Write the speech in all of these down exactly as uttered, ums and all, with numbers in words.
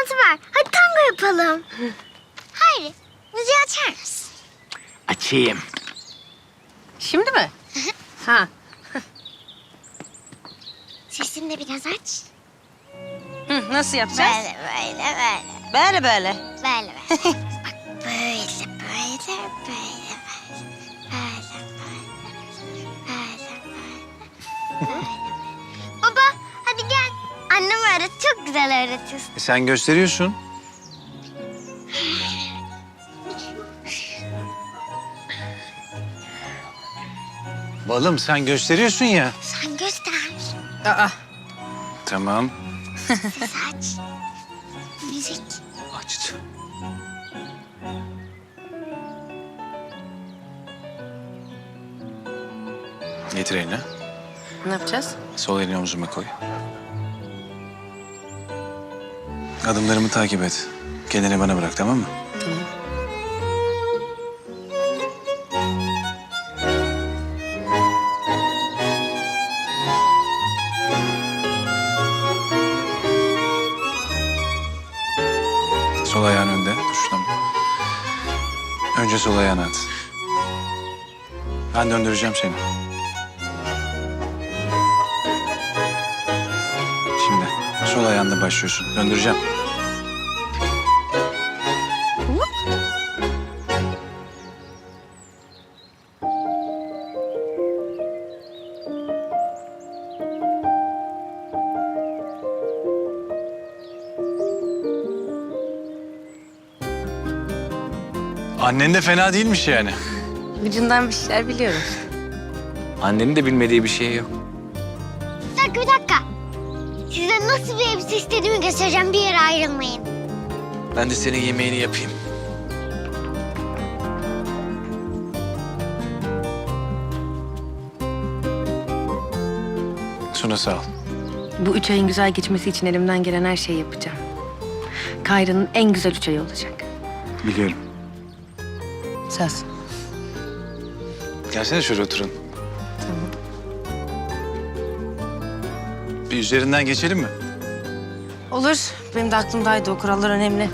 şansı var. Hadi tango yapalım. Hayır, müziği açar mısın? Açayım. Şimdi mi? Ha. Sesini de biraz aç. Hı, nasıl yapacağız? Böyle, böyle, böyle. Böyle böyle. Böyle, böyle. Bak böyle, böyle, böyle, böyle. Böyle, böyle, böyle, böyle. Baba, hadi gel. Annem öğret, çok güzel öğretiyorsun. E sen gösteriyorsun. Balım sen gösteriyorsun ya. Sen göster. Aa. Tamam. Ses aç. Müzik. Açtı. Getir elini. Ne yapacağız? Sol elini omzuma koy. Adımlarımı takip et. Kendini bana bırak, tamam mı? Sol ayağın önde. Dur şuradan. Önce sol ayağını at. Ben döndüreceğim seni. Şimdi sol ayağında başlıyorsun. Döndüreceğim. Annen de fena değilmiş yani. Ucundan bir şeyler biliyorum. Annenin de bilmediği bir şey yok. Bir dakika, bir dakika. Size nasıl bir elbise istediğimi göstereceğim. Bir yere ayrılmayın. Ben de senin yemeğini yapayım. Suna sağ ol. Bu üç ayın güzel geçmesi için elimden gelen her şeyi yapacağım. Kayra'nın en güzel üç ayı olacak. Biliyorum. Söz. Gelsene şöyle oturun. Tamam. Bir üzerinden geçelim mi? Olur. Benim de aklımdaydı. O kurallar önemli.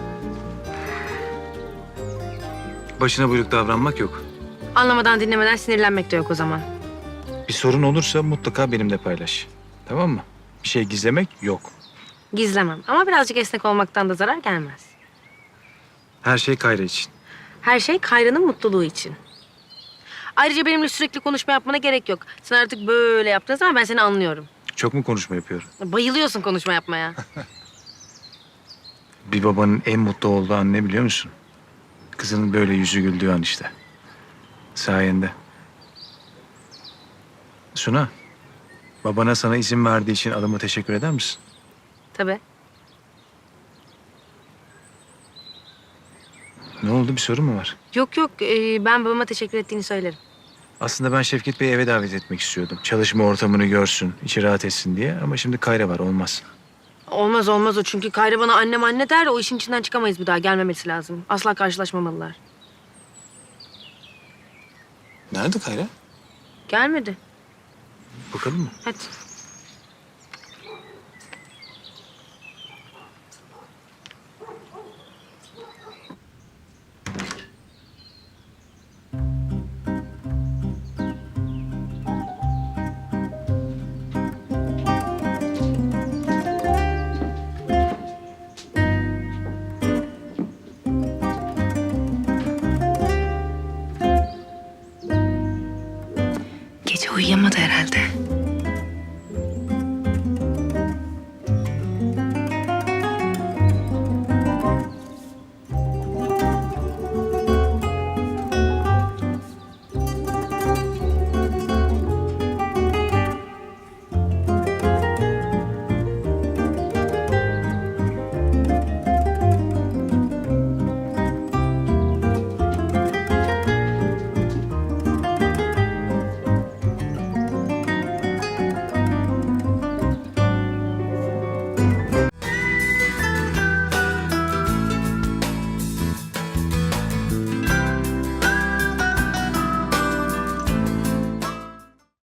Başına buyruk davranmak yok. Anlamadan dinlemeden sinirlenmek de yok o zaman. Bir sorun olursa mutlaka benimle paylaş. Tamam mı? Bir şey gizlemek yok. Gizlemem. Ama birazcık esnek olmaktan da zarar gelmez. Her şey Kayra için. Her şey Kayra'nın mutluluğu için. Ayrıca benimle sürekli konuşma yapmana gerek yok. Sen artık böyle yaptığın zaman ben seni anlıyorum. Çok mu konuşma yapıyorum? Bayılıyorsun konuşma yapmaya. Bir babanın en mutlu olduğu an ne biliyor musun? Kızının böyle yüzü güldüğü an işte. Sayende. Suna, babana sana izin verdiği için adama teşekkür eder misin? Tabii. Ne oldu, bir sorun mu var? Yok yok ee, ben babama teşekkür ettiğini söylerim. Aslında ben Şevket Bey'i eve davet etmek istiyordum. Çalışma ortamını görsün, içi rahat etsin diye. Ama şimdi Kayra var, olmaz. Olmaz olmaz o çünkü Kayra bana annem anne der, o işin içinden çıkamayız bir daha, gelmemesi lazım. Asla karşılaşmamalılar. Nerede Kayra? Gelmedi. Bakalım mı? Hadi.